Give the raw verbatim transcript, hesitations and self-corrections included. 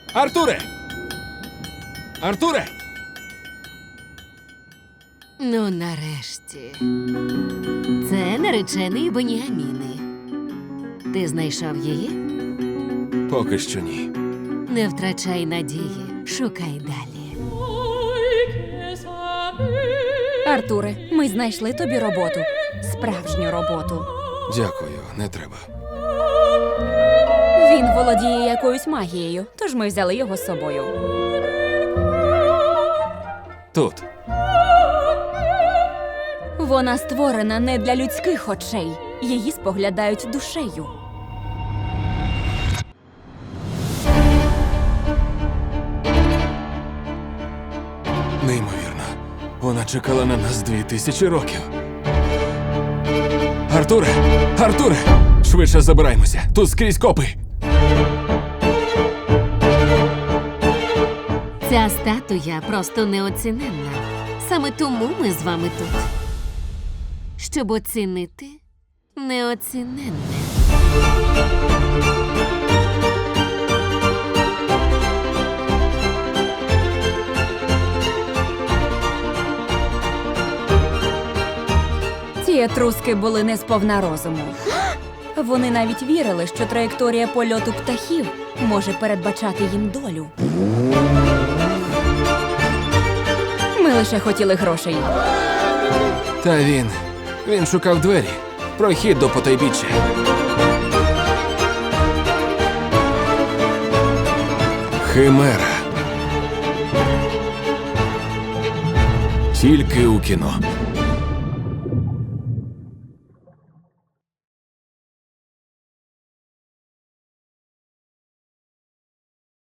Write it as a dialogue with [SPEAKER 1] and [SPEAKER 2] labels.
[SPEAKER 1] Артуре! Артуре!
[SPEAKER 2] Ну, нарешті. Це наречений Беніаміни. Ти знайшов її?
[SPEAKER 1] Поки що ні.
[SPEAKER 2] Не втрачай надії, шукай далі.
[SPEAKER 3] Артуре, ми знайшли тобі роботу. Справжню роботу.
[SPEAKER 1] Дякую, не треба.
[SPEAKER 3] Він володіє якоюсь магією, тож ми взяли його з собою.
[SPEAKER 1] Тут.
[SPEAKER 3] Вона створена не для людських очей. Її споглядають душею.
[SPEAKER 1] Неймовірно. Вона чекала на нас дві тисячі років. Артуре! Артуре! Швидше забираємося. Тут скрізь копи.
[SPEAKER 2] Ця статуя просто неоціненна. Саме тому ми з вами тут. Щоб оцінити неоціненне.
[SPEAKER 3] Ці етруски були не сповна розуму. Вони навіть вірили, що траєкторія польоту птахів може передбачати їм долю. Ми лише хотіли грошей.
[SPEAKER 1] Та він. Він шукав двері. Прохід до потайбіччя. Химера. Тільки у кіно.